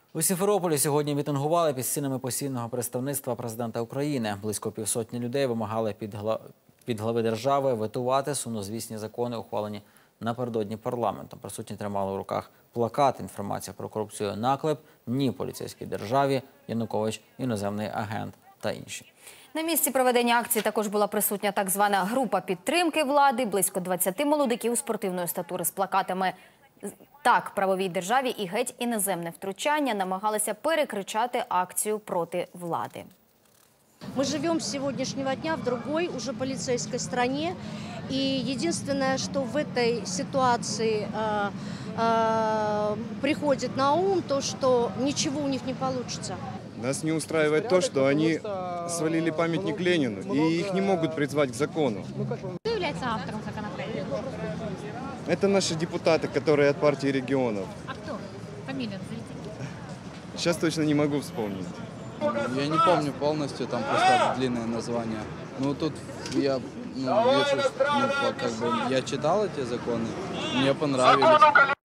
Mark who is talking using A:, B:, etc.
A: У Сімферополі сьогодні мітингували під стінами постійного представництва президента України. Близько півсотні людей вимагали від глави держави ветувати сумнозвісні закони, ухвалені напередодні парламентом. Присутні тримали у руках плакат «Інформація про корупцію – наклеп», «Ні поліцейській державі», «Янукович – іноземний агент» та інші.
B: На місці проведення акції також була присутня так звана група підтримки влади, близько 20 молодиків спортивної статури з плакатами «Так правовій державі» і «Геть іноземне втручання» намагалися перекричати акцію проти влади.
C: Мы живем с сегодняшнего дня в другой, уже полицейской стране. И единственное, что в этой ситуации приходит на ум, то, что ничего у них не получится.
D: Нас не устраивает то, что они свалили памятник Ленину, и их не могут призвать к закону.
E: Кто является автором законопроекта?
D: Это наши депутаты, которые от партии регионов.
E: А кто? Фамилию назовите.
D: Сейчас точно не могу вспомнить.
F: Я не помню полностью, там просто длинное название. Ну тут я вижу, я читал эти законы, мне понравились.